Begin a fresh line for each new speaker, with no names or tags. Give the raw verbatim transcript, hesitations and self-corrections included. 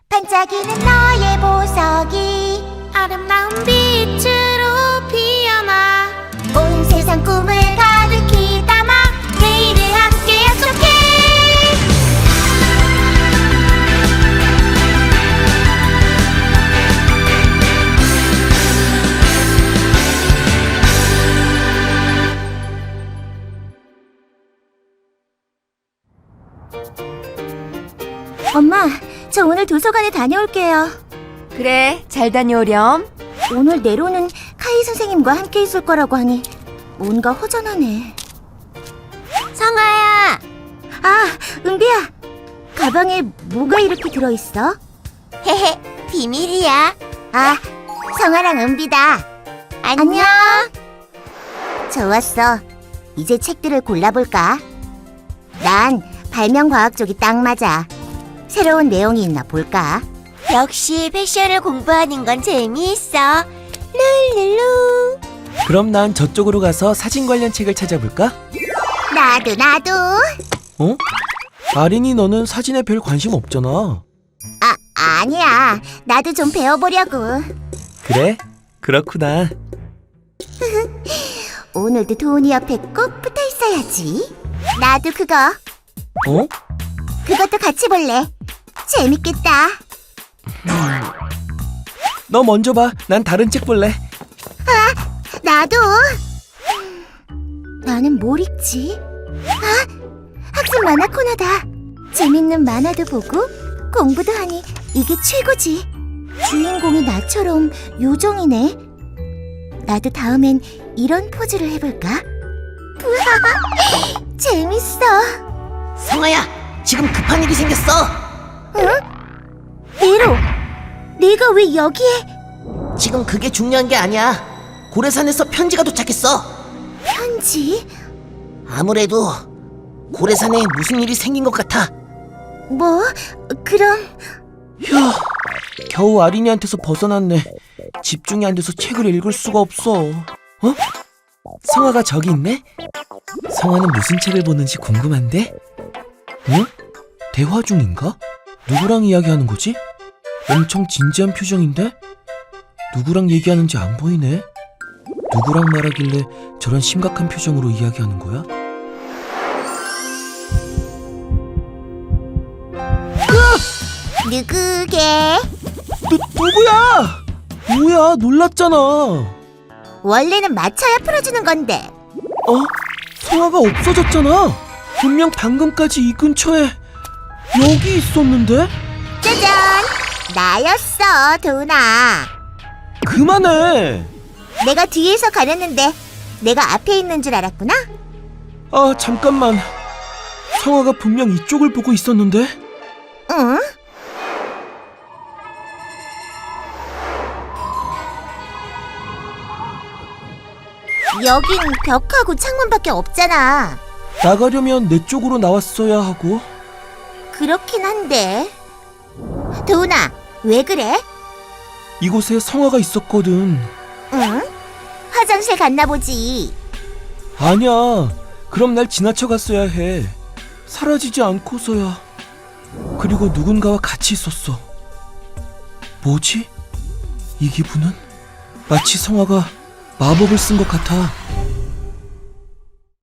반짝이는 너의 보석이 아름다운 빛으로 피어나 온 세상 꿈을 가득히 담아 내일을 함께 약속해. 엄마, 저 오늘 도서관에 다녀올게요.
그래, 잘 다녀오렴.
오늘 네로는 카이 선생님과 함께 있을 거라고 하니 뭔가 허전하네. 성아야! 아, 은비야! 가방에 뭐가 이렇게 들어있어? 헤헤, 비밀이야. 아, 성아랑 은비다. 안녕. 좋았어. 이제 책들을 골라볼까? 난 발명과학 쪽이 딱 맞아. 새로운 내용이 있나 볼까? 역시 패션을 공부하는 건 재미있어. 룰루루.
그럼 난 저쪽으로 가서 사진 관련 책을 찾아볼까?
나도 나도.
어? 아린이 너는 사진에 별 관심 없잖아.
아, 아니야. 나도 좀 배워보려고.
그래? 그렇구나.
오늘도 도훈이 옆에 꼭 붙어 있어야지. 나도 그거.
어?
그것도 같이 볼래. 재밌겠다.
너 먼저 봐. 난 다른 책 볼래.
나도. 나는 뭘 읽지? 아, 학습 만화 코너다. 재밌는 만화도 보고 공부도 하니 이게 최고지. 주인공이 나처럼 요정이네. 나도 다음엔 이런 포즈를 해볼까? 우와, 재밌어.
성아야, 지금 급한 일이 생겼어.
응? 네로, 내가 왜 여기에?
지금 그게 중요한 게 아니야. 고래산에서 편지가 도착했어.
편지?
아무래도 고래산에 무슨 일이 생긴 것 같아.
뭐? 그럼
휴, 겨우 아린이한테서 벗어났네. 집중이 안 돼서 책을 읽을 수가 없어. 어? 성아가 저기 있네? 성아는 무슨 책을 보는지 궁금한데? 응? 대화 중인가? 누구랑 이야기하는 거지? 엄청 진지한 표정인데? 누구랑 얘기하는지 안 보이네? 누구랑 말하길래 저런 심각한 표정으로 이야기하는 거야?
누구게?
누, 누구야? 뭐야, 놀랐잖아.
원래는 맞춰야 풀어주는 건데.
어? 성아가 없어졌잖아. 분명 방금까지 이 근처에 여기 있었는데?
짜잔! 나였어, 도훈아.
그만해.
내가 뒤에서 가렸는데 내가 앞에 있는 줄 알았구나?
아, 잠깐만. 성아가 분명 이쪽을 보고 있었는데?
응? 여긴 벽하고 창문밖에 없잖아.
나가려면 내 쪽으로 나왔어야 하고.
그렇긴 한데. 도훈아, 왜 그래?
이곳에 성아가 있었거든.
응? 화장실 갔나 보지.
아니야. 그럼 날 지나쳐 갔어야 해. 사라지지 않고서야. 그리고 누군가와 같이 있었어. 뭐지? 이 기분은? 마치 성아가 마법을 쓴 것 같아.